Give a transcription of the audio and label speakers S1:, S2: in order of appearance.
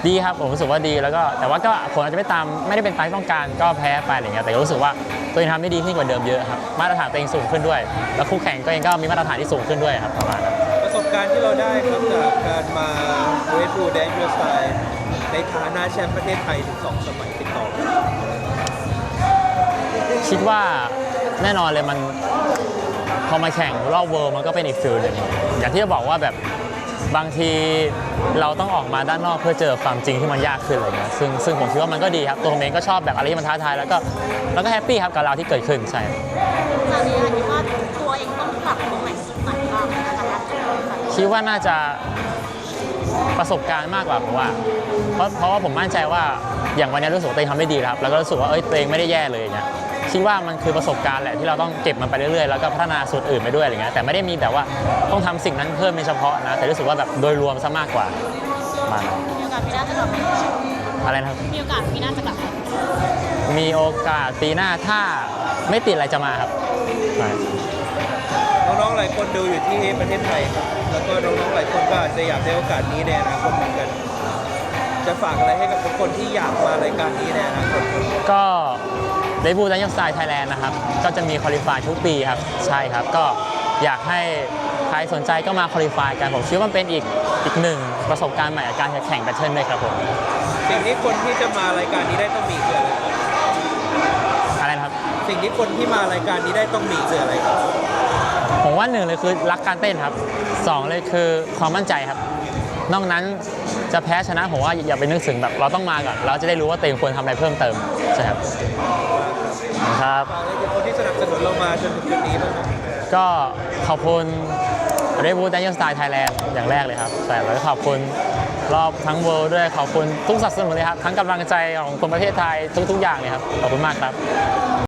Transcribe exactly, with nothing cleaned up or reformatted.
S1: ดีครับผมรู้สึกว่าดีแล้วก็แต่ว่าก็ผลอาจจะไม่ตามไม่ได้เป็นตามที่ต้องการก็แพ้ไปอะไรเงี้ยแต่รู้สึกว่าตัวเองทำได้ดีขึ้นกว่าเดิมเยอะครับมาตรฐานตัวเองสูงขึ้นด้วยแล้วคู่แข่งก็เองก็มีมาตรฐานที่สูงขึ้นด้วยครับประมาณนั้น
S2: ประสบการณ์ที่เราได้ครับจากการมา Red Bull Daniel Style ในฐานะแชมป์ประเทศไทยถึงสองสมัยติดต่อกัน
S1: คิดว่าแน่นอนเลยมันพอมาแข่งรอบเวิลด์มันก็เป็นอีกฟิลหนึ่งอย่างที่จะบอกว่าแบบบางทีเราต้องออกมาด้านนอกเพื่อเจอความจริงที่มันยากขึ้นอะไรเงี้ยซึ่งซึ่งผมคิดว่ามันก็ดีครับตัวผมเองก็ชอบแบบอะไรที่มันท้าทายแล้วก็แล้วก็แฮปปี้ครับกับเราที่เกิดขึ้นใช่
S3: ตอนนี้คิดว่าตัวเองต้องปรับตรงไหนจุดไหนบ้างนะคะ
S1: คิดว่าน่าจะประสบการณ์มากกว่าผมว่าเพราะเพราะว่าผมมั่นใจว่าอย่างวันนี้รู้สึกว่าตัวเองทำได้ดีครับแล้วก็รู้สึกว่าเอ้ยตัวเองไม่ได้แย่เลยอย่างเงี้ยคิดว่ามันคือประสบการณ์แหละที่เราต้องเก็บมันไปเรื่อยๆแล้วก็พัฒนาส่วนอื่นไปด้วยอะไรเงี้ยแต่ไม่ได้มีแบบว่าต้องทำสิ่งนั้นเพิ่มเป็นเฉพาะนะแต่รู้สึกว่าแบบโดยรวมซะมากกว่ามา
S3: มีโอกาสปีหน้าจะกลับมา
S1: อะไรนะครับ
S3: มีโอกาสปีหน้าจะกลับมา
S1: มีโอกาสปีหน้าถ้าไม่ติดอะไรจะมาครับ
S2: น้องๆหลายคนดูอยู่ที่ประเทศไทยครับแล้วก็น้องๆหลายคนก็อาจจะอยากได้โอกาสนี้ในอนาคตเหมือนกันจะฝากอะไรให้กับทุกคนที่อยากมารายการนี้ในอนาคต
S1: ก็เรดบูลดันเนียลสไตล์ไทยแลนด์นะครับก็จะมีคอลิฟายทุกปีครับใช่ครับก็อยากให้ใครสนใจก็มาคอลิฟายกันผมคิดว่ามันเป็นอีกอีกหนึ่งประสบการณ์ใหม่ในการแข่งแบทเทิลด้วยครับผม
S2: สิ่งที่คนที่จะมารายการนี้ได้ต้องมีคืออะไร
S1: อะไรนะครับ
S2: สิ่งที่คนที่มารายการนี้ได้ต้องมีคืออะไรครับ
S1: ผมว่าหนึ่งเลยคือรักการเต้นครับสองเลยคือความมั่นใจครับนอกนั้นจะแพ้ชนะผมว่าอย่าไปนึกถึงแบบเราต้องมาก่อนเราจะได้รู้ว่าตัวเองควรทำอะไรเพิ่มเติมใช่ครับครับ
S2: คนที่สนับสนุนเรามาจนถึงจุดนี้บ้าง
S1: ก็ขอบคุณเรดบูลดันเนียลสไตล์ไทยแลนด์อย่างแรกเลยครับแต่แล้วก็ขอบคุณรอบทั้งเวิลด์ด้วยขอบคุณทุกสนับสนุนเลยครับทั้งกำลังใจของคนประเทศไทยทุกๆอย่างเลยครับขอบคุณมากครับ